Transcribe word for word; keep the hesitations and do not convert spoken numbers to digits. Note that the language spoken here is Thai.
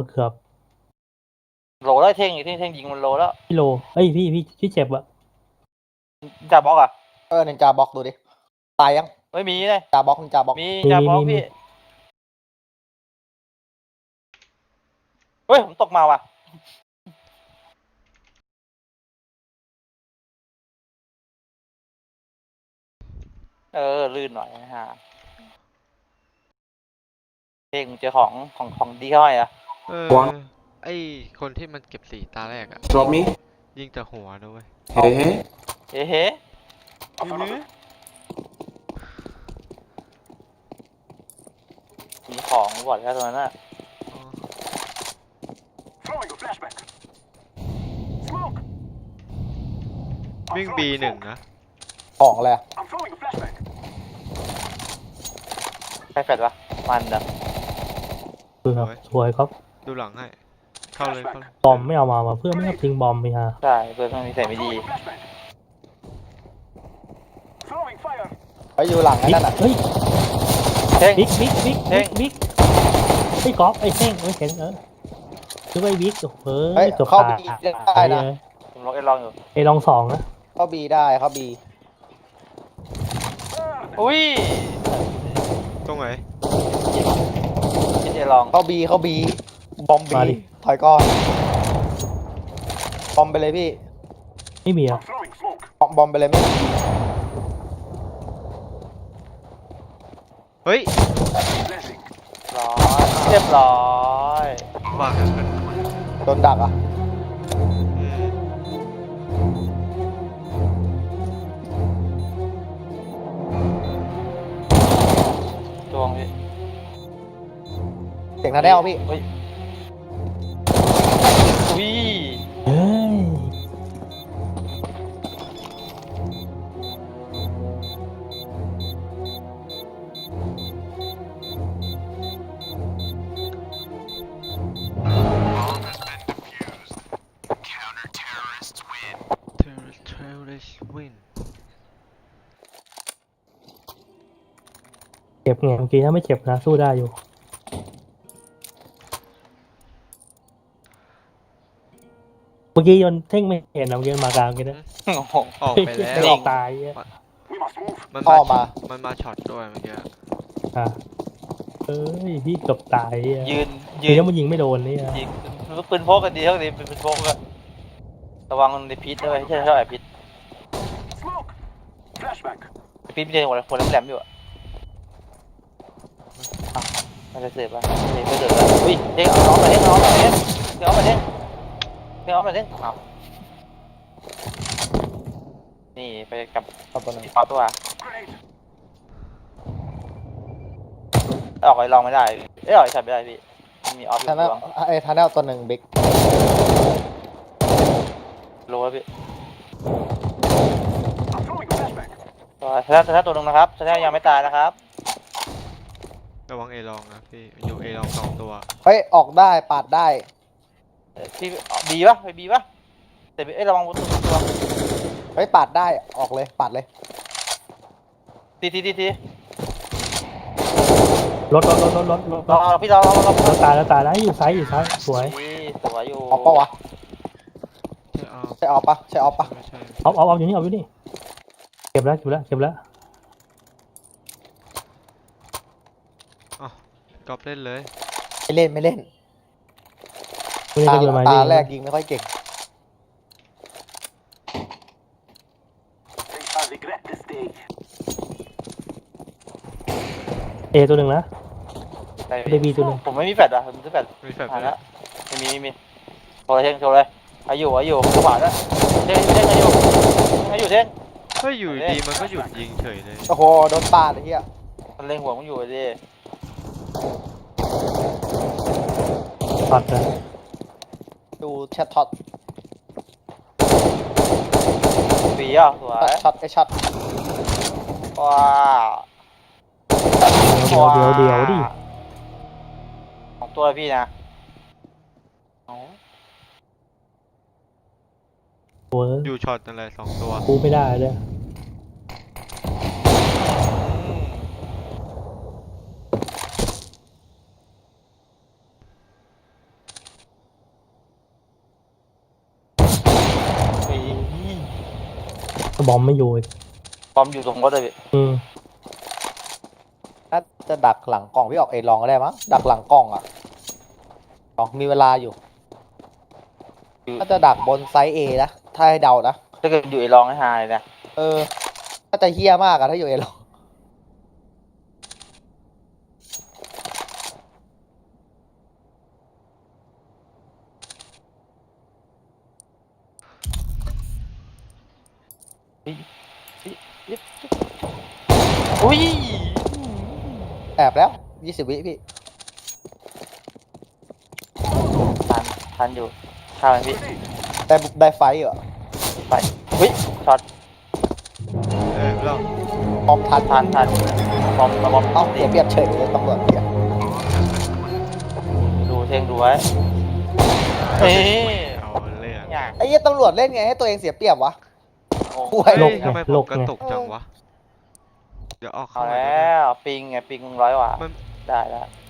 เกือบโลแล้วเท่งเท่งเท่งยิงมันโลแล้วพี่โลเอ้ยพี่พี่พี่เจ็บอะจ่าบล็อกอ่ะเออนินจาบล็อกดูดิตายยังไม่มีเลยจาบล็อกนินจาบล็อกมีจ่าบล็อกพี่เฮ้ยผมตกมาว่ะเออลื่นหน่อยนะฮะเท่งเจอของของของดีเข้าไปอ่ะเออไอคนที่มันเก็บสีตาแรกอะ Drop me ยิงแต่หัวนะเว้ย Hey hey เฮ้เฮ้มีของก่อนแค่ตรงนั้นน่ะวิ่ง บี หนึ่งนะของอะไรอะใครแฟดวะมันเด้อเกือบสวยครับดูหลังให้เข้าเลยเข้าเลยบอมไม่เอามาว่ะเพื่อนไม่เอาทิ้งบอมไปฮะใช่เพื่อนมันมีใส่ไม่ดีไปอยู่หลังนั่นน่ะเฮ้ยเท่งบิ๊กบิ๊กบิ๊กเท่บิ๊งกบิ๊กไอ้กอล์ฟไอ้เท่งไอ้เข็งเออคือไอ้บิ๊กเฮ้เฮ้ยยจบเข้าตาบีได้นะผมลองเอ็นลองอยู่ไอ้ลองสองนะเข้าบีได้เข้าบีอุ้ยตรงไหนพี่เจลองเข้าบีเข้าบีบอมบีถอยก่อนบอมไปเลยพี่ไม่มีอ่ะบอมบอมไปเลยไม่มีเฮ้ยร้อยเรียบร้อยบ้าโดนดักอ่ะอืมดวงพี่เสียงนาแนวพี่เฮ้ยอุ้ยเฮ้ยเทอร์เทอร์เรสวินเจ็บไงเมื่อกี้ถ้าไม่เจ็บนะสู้ได้อยู่เมื่อกี้ยนเท่งไม่เห็นเราเมื่อกี้มากลางกันนะโอ้โหออกไปแล้ไม่วออกตายอ่ะมันอ้มาอมมามันมาช็อตด้วยเมื่อกี้อ่ะเอ้ยพี่เกือบตายอ่ะยืนยืยืนนแล้วมันยิงไม่โดนนี่อ่ะยิงปืนพกกันดีเท่านี้เป็นปืนพกกันระวังในพิษด้วยใช่เท่าไหร่พิษพิษไม่ใช่หัวหัวแหลมๆอยู่อ่ะไม่ได้เสียบอ่ะไม่ได้เสียบอ่ะอุ้ยเด้งเอาน้องมาเด้งเอาน้องมาเด้งเด้งเอามาเด้งเด้งเอามาเด้งเอานี่ไปกับเอาตัวหนึงอีกตัวออกไปลองไม่ได้เอ้ยออกใส่ไม่ได้พี่มีออฟอยู่ทาแนลตัวไอ้ทาแนลตัวหนึ่งบิ๊กโลแล้วพี่ชนะชนะตัวหนึ่งนะครับชนะยังไม่ตายนะครับระวังเอลองนะพี่อยู่เอลองสองตัวเฮ้ยออกได้ปาดได้พี่บีป่ะไปบีป่ะแต่เอ้ยระวังตัวตัวเฮ้ยปาดได้ออกเลยปาดเลยทีทีทีทีรถรถรถรถรถรถรอพี่รอรอรอรอตายแล้วตายแล้วอยู่ซ้ายอยู่ซ้ายสวยสวยอยู่ออกปะวะใช่เอาใช่ออกปะใช่ออกปะไม่ใช่เอาเอาเอาอยู่นี่เอาอยู่นี่เก็บแล้วเก็บแล้วเก็บแล้วอ๋อ กอบเล่นเลยไม่เล่นไม่เล่นไม่ได้ตาก็เดินมาตาดิแรกยิงไม่ค่อยเก่งเอตัวหนึ่งนะ ได้บีตัวหนึ่งผมไม่มีแฟดอ่ะผมซื้อแฟดมีแฟลชผ่านไหมแล้วไม่มีไม่มีโชว์เลยเท่งโชว์เลยอายุอายุขวาแล้วเท่งเท่งอายุอายุเท่งเฮ้ยอยู่ดีมันก็หยุดยิงเฉยเลยโอ้โหโดนปาดไอ้เหี้ยมันเล็งหัวมันอยู่ดิตัดเลยดูแชทช็อตบีอ่ะสวยช็อตไอช็อตว้าเดี๋ยวเดี๋ยวเดี๋ยวดิของตัวพี่นะโอ้ยอยู่ช็อตอะไรสองตัวกูไม่ได้เลยก็บอมไม่อยู่อีกบอมอยู่ตรงรถเลยพี่อืมน่าจะดักหลังกล่องพี่ออกเอลองก็ได้มั้งดักหลังกล่องอ่ะกล่องมีเวลาอยู่น่าจะดักบนไซส์เอนะถ้าให้เดานะถ้าเกิดอยู่ไอ้รองให้หายนะเออน่าจะเฮี้ยมากอะถ้าอยู่เอลองอุ้ยแอบแล้วยี่สิบวิพี่ทันทันอยู่ข้าวไหมพี่ได้ได้ไฟท์เหรอไปอุ้ยช็อตเออเราพร้อมทันทันทันบอมบอมเอ้าเสียเปรียบเฉยเลยตำรวจเหี้ยดูเทงดูไว้เฮ้ยเอาเรื่องอย่างไอ้เหี้ยตำรวจเล่นไงให้ตัวเองเสียเปรียบวะโอ้โอ้เฮ้ยยทำไมผมกระตุกจังวะ เดี๋ยวออกเอาเข้ามาแล้ดูดิวปิงไงปิงร้อยกว่ามันได้ได้ม